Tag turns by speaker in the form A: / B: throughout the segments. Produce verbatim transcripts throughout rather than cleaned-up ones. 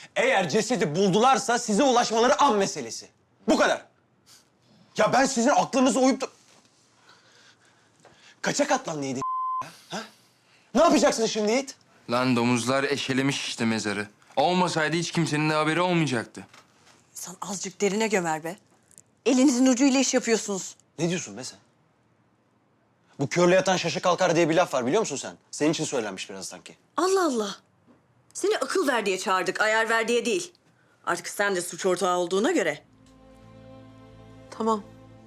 A: Eğer cesedi buldularsa size ulaşmaları an meselesi. Bu kadar. Ya ben sizin aklınıza uyup da... Kaça katlanlıydı ha? Ne yapacaksın şimdi Yiğit?
B: Lan domuzlar eşelemiş işte mezarı. Olmasaydı hiç kimsenin de haberi olmayacaktı.
C: Sen azıcık derine gömer be. Elinizin ucuyla iş yapıyorsunuz.
A: Ne diyorsun be sen? Bu körle yatan şaşı kalkar diye bir laf var biliyor musun sen? Senin için söylenmiş biraz sanki.
C: Allah Allah. Seni akıl ver diye çağırdık, ayar ver diye değil. Artık sen de suç ortağı olduğuna göre.
D: Tamam.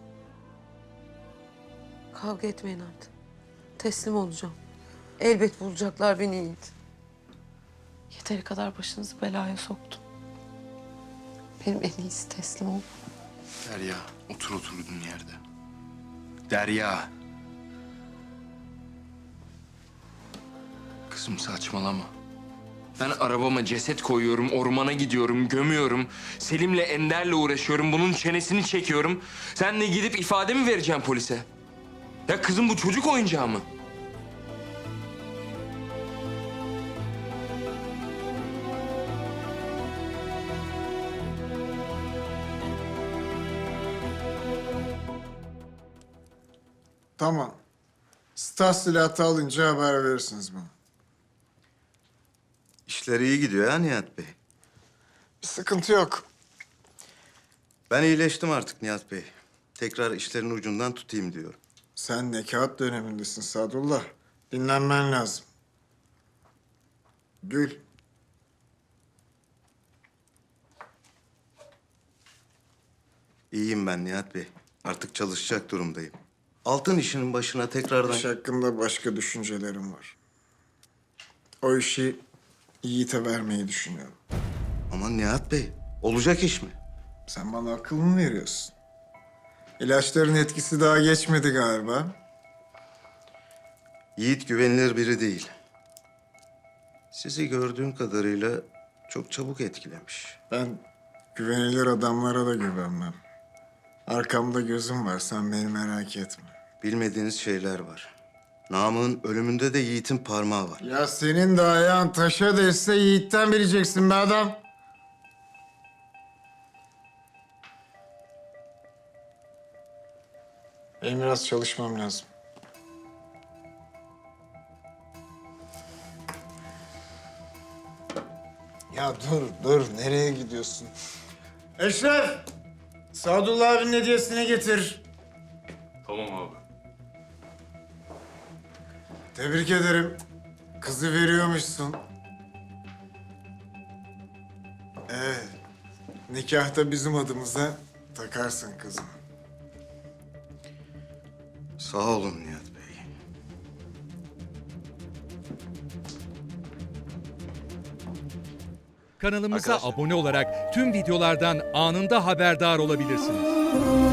D: Kavga etmeyin artık. Teslim olacağım. Elbet bulacaklar beni Yiğit. Yeteri kadar başınızı belaya soktum. Benim en iyisi teslim ol.
B: Derya, otur oturduğun yerde. Derya. Kızım saçmalama. Ben arabama ceset koyuyorum, ormana gidiyorum, gömüyorum. Selim'le Ender'le uğraşıyorum, bunun çenesini çekiyorum. Sen de gidip ifade mi vereceksin polise? Ya kızım bu çocuk oyuncağı mı?
E: Tamam. Stas silahı alınca haber verirsiniz bana.
F: İşler iyi gidiyor ha Nihat Bey.
E: Bir sıkıntı yok.
F: Ben iyileştim artık Nihat Bey. Tekrar işlerin ucundan tutayım diyorum.
E: Sen nekat dönemindesin Sadullah. Dinlenmen lazım. Gül.
F: İyiyim ben Nihat Bey. Artık çalışacak durumdayım. Altın işinin başına tekrardan...
E: İş hakkında başka düşüncelerim var. O işi Yiğit'e vermeyi düşünüyorum.
F: Aman Nihat Bey, olacak iş mi?
E: Sen bana akıl mı veriyorsun? İlaçların etkisi daha geçmedi galiba.
F: Yiğit güvenilir biri değil. Sizi gördüğüm kadarıyla çok çabuk etkilemiş.
E: Ben güvenilir adamlara da güvenmem. Arkamda gözüm var, sen beni merak etme.
F: Bilmediğiniz şeyler var. Namık'ın ölümünde de Yiğit'in parmağı var.
E: Ya senin de ayağın taşa değse Yiğit'ten bileceksin be adam. Benim biraz çalışmam lazım. Ya dur, dur. Nereye gidiyorsun? Eşref! Sadullah abinin hediyesini getir.
B: Tamam abi.
E: Tebrik ederim. Kızı veriyormuşsun. Evet. Nikahta bizim adımıza takarsın kızını.
F: Sağ olun Nihat Bey.
G: Kanalımıza
A: Arkadaşlar.
G: abone olarak tüm videolardan anında haberdar olabilirsiniz.